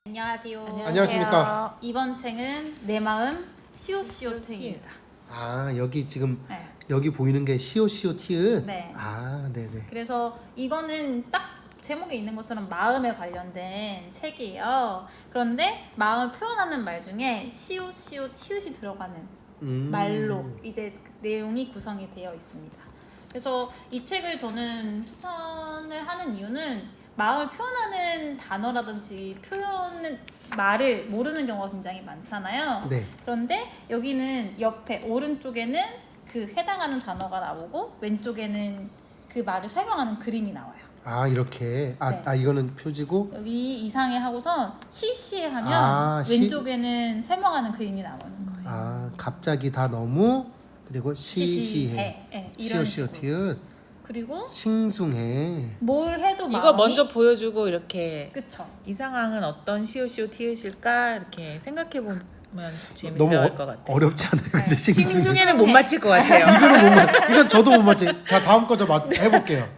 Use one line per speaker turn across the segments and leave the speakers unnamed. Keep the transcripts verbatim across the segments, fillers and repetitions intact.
안녕하세요.
안녕하십니까.
이번 책은 내 마음 시옷시옷입니다.
아 여기 지금
네.
여기 보이는 게 시오시오 티읕.
네.
아 네네.
그래서 이거는 딱 제목에 있는 것처럼 마음에 관련된 책이에요. 그런데 마음을 표현하는 말 중에 시옷시옷 티읕이 들어가는
음.
말로 이제 내용이 구성이 되어 있습니다. 그래서 이 책을 저는 추천을 하는 이유는 마음을 표현하는 단어라든지 표현은 말을 모르는 경우가 굉장히 많잖아요.
네.
그런데 여기는 옆에 오른쪽에는 그 해당하는 단어가 나오고 왼쪽에는 그 말을 설명하는 그림이 나와요.
아 이렇게. 아,
네.
아 이거는 표지고.
여기 이상해 하고선 시시해 하면
아, 시-
왼쪽에는 설명하는 그림이 나오는 거예요.
아 갑자기 다 너무 그리고 시시해.
시시해. 네, 이런
시오시오
식으로.
티읕.
그리고
싱숭해.
뭘 해도
이거
마음이
먼저 보여주고 이렇게
그쵸.
이 상황은 어떤 시오시오 티읕일까 이렇게 생각해 보면 재밌을
너무 어,
것 같아요.
어렵지 않아요? 근데
네.
싱숭해.
싱숭에는 못 맞힐 것 같아요.
이거는 못 맞. 이건 저도 못 맞지. 자 다음 거 저 해볼게요.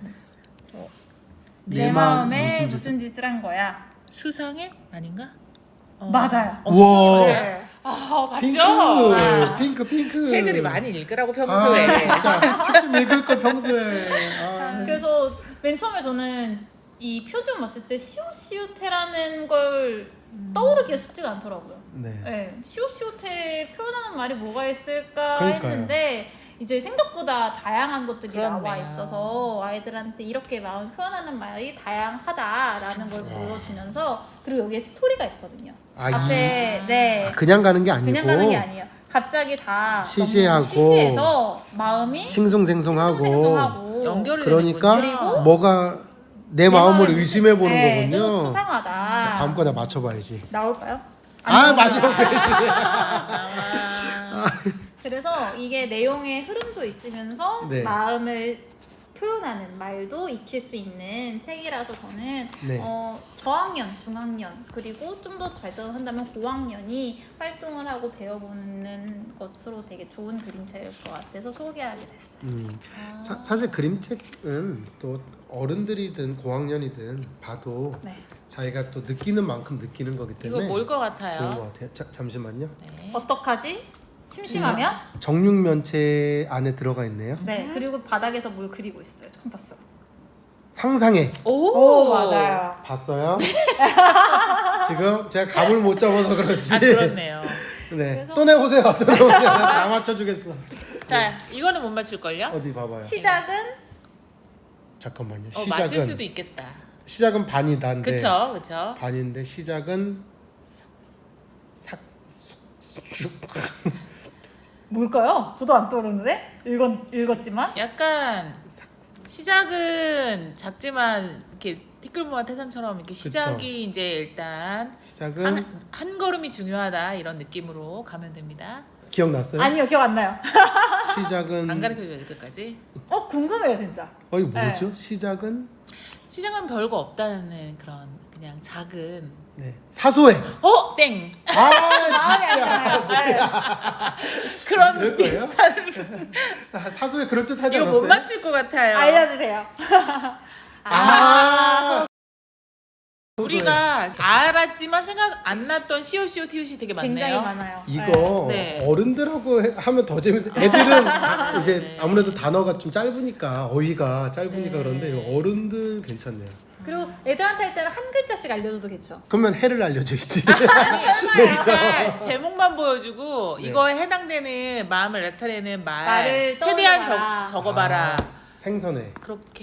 내, 마음에
무슨
무슨 짓을 한 거야?
수상해? 아닌가? 어.
맞아요.
우와.
네.
아
핑크.
맞죠?
아.
핑크 핑크.
책을 많이 읽으라고 평소에.
아, 진짜 책 좀 읽을 걸 평소에. 아.
그래서 맨 처음에 저는 이 표준 봤을 때 시옷시옷해라는 걸 떠오르기가 쉽지가 않더라고요.
네.
네, 시옷시옷해 표현하는 말이 뭐가 있을까
그러니까요.
했는데 이제 생각보다 다양한 것들이
그렇네요.
나와 있어서 아이들한테 이렇게 마음 표현하는 말이 다양하다라는 걸 보여주면서 그리고 여기에 스토리가 있거든요.
아,
앞에 네
아, 그냥 가는 게 아니고
그냥 가는 게 아니에요. 갑자기 다
시시하고
너무 시시해서 마음이
싱숭생숭하고
싱숭생숭하고
연결이
그러니까
되는군요.
그리고
뭐가 내
내
마음을
마음에
의심해 보는
네,
거군요.
또 수상하다.
자, 다음 거 다 맞춰봐야지.
나올까요?
아
안
맞아
나올까요?
그래야지.
아,
그래서 이게 내용의 흐름도 있으면서
네.
마음을 표현하는 말도 익힐 수 있는 책이라서 저는
네.
어, 저학년, 중학년 그리고 좀 더 발전한다면 고학년이 활동을 하고 배워보는 것으로 되게 좋은 그림책일 것 같아서 소개하게 됐어요.
음, 사, 사실 그림책은 또 어른들이든 고학년이든 봐도
네.
자기가 또 느끼는 만큼 느끼는 거기
이거
때문에
뭘 것
좋은
같아요?
것 같아요. 자, 잠시만요.
네.
어떡하지? 심심하면?
정육면체 안에 들어가 있네요.
네. 그리고 바닥에서 뭘 그리고 있어요. 처음 봤어.
상상해.
오,
봤어요? 지금 제가 감을 못 잡아서 그렇지.
아 그렇네요.
네.
그래서-
또 내보세요. 또 내보세요. 다 맞춰주겠어.
자 이거는 못 맞출 걸요?
어디 봐봐요.
시작은
잠깐만요.
어,
시작은
맞출 수도 있겠다.
시작은 반이다인데
그쵸 그쵸.
반인데 시작은 삭
뭘까요? 저도 안 떠오르는데? 읽었, 읽었지만
약간 시작은 작지만 이렇게 티끌모아 태산처럼 이렇게 시작이 이제 일단
시작은
한, 한 걸음이 중요하다 이런 느낌으로 가면 됩니다.
기억났어요?
아니요 기억 안 나요.
시작은
안 가르쳐줘야 될 끝까지.
어 궁금해요 진짜.
어이 뭐죠?
네.
시작은
시작은 별거 없다는 그런 그냥 작은
네 사소해.
어 땡.
아
마음이 안
진짜
가요.
그런
그럴 거예요?
비슷한
아, 사소해 그럴 듯하지
이거
않았어요?
못 맞출 것 같아요.
알려주세요.
아,
우리가 알았지만 생각 안 났던 시오시오 티읕이 되게
굉장히
많네요.
많아요.
이거
네.
어른들하고 해- 하면 더 재밌어. 애들은 이제
네.
아무래도 단어가 좀 짧으니까 어휘가 짧으니까
네.
그런데 이거 어른들 괜찮네요.
그리고 애들한테 할 때는 한 글자씩 알려줘도 괜찮죠.
그러면 해를 알려줘야지.
아니 정말 제목만 보여주고
네.
이거에 해당되는 마음을 나타내는 말
말을
최대한
떠올려봐라.
적, 적어봐라.
아, 생선회.
그렇게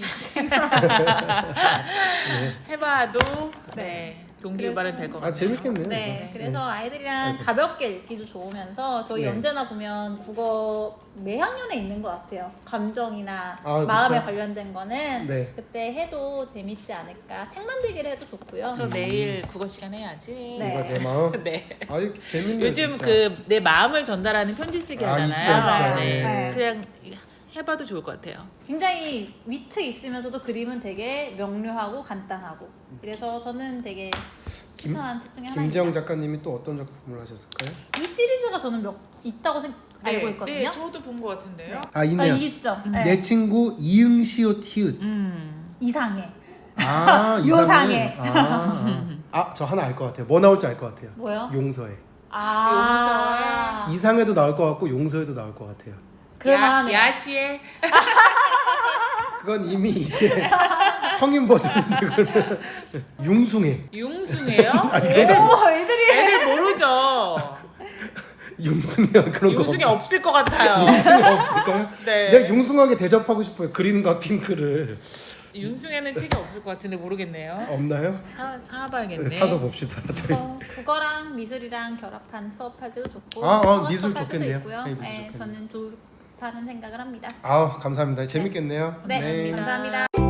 해봐도 네 동기유발은 될 것
아
같아요.
재밌겠네요.
네,
이거.
그래서 아이들이랑
아이고.
가볍게 읽기도 좋으면서 저희
네.
언제나 보면 국어 매 학년에 있는 것 같아요. 감정이나
아,
마음에
그쵸?
관련된 거는
네.
그때 해도 재밌지 않을까. 책 만들기를 해도 좋고요.
저 내일 국어 시간 해야지.
네.
이거 내 마음.
네.
아유 재밌네.
요즘
진짜.
그 내 마음을 전달하는 편지 쓰기
아,
하잖아요.
있죠,
있죠.
네.
네.
그냥 해봐도 좋을 것 같아요.
굉장히 위트 있으면서도 그림은 되게 명료하고 간단하고 그래서 저는 되게
김-
추천한 책 중에
김지영
하나입니다.
작가님이 또 어떤 작품을 하셨을까요?
이 시리즈가 저는 몇 있다고 생, 알고 있거든요.
네, 저도 본 것 같은데요.
아
아,
있네요.
이 있죠. 네.
내 친구 이응시옷 히읗.
음.
이상해.
아
요상해.
이상해. 아, 아. 아, 저 하나 알 것 같아요. 뭐 나올지 알 것 같아요.
뭐요?
용서해.
아.
이상해도 나올 것 같고 용서해도 나올 것 같아요.
그만하네.
야, 야시에
그건 이미 이제 성인 버전인데 그거는 융숭해.
융숭해요?
애들
애들
오, 애들이
애들 모르죠.
융숭해 그런 거.
융숭이 없을 것 같아요.
융숭이 없을까요?
네.
내가 융숭하게 대접하고 싶어요. 그린과 핑크를.
융숭에는 책이 없을 것 같은데 모르겠네요.
없나요?
사 사봐야겠네.
사서 봅시다. 저희.
그래서 국어랑 미술이랑 결합한 수업할 때도 좋고
아, 아,
통합
미술
수업할 때도
좋겠네요.
있고요.
네, 미술
네,
좋겠네요.
저는 좋다는 생각을 합니다.
아, 감사합니다. 재밌겠네요.
네,
네.
감사합니다.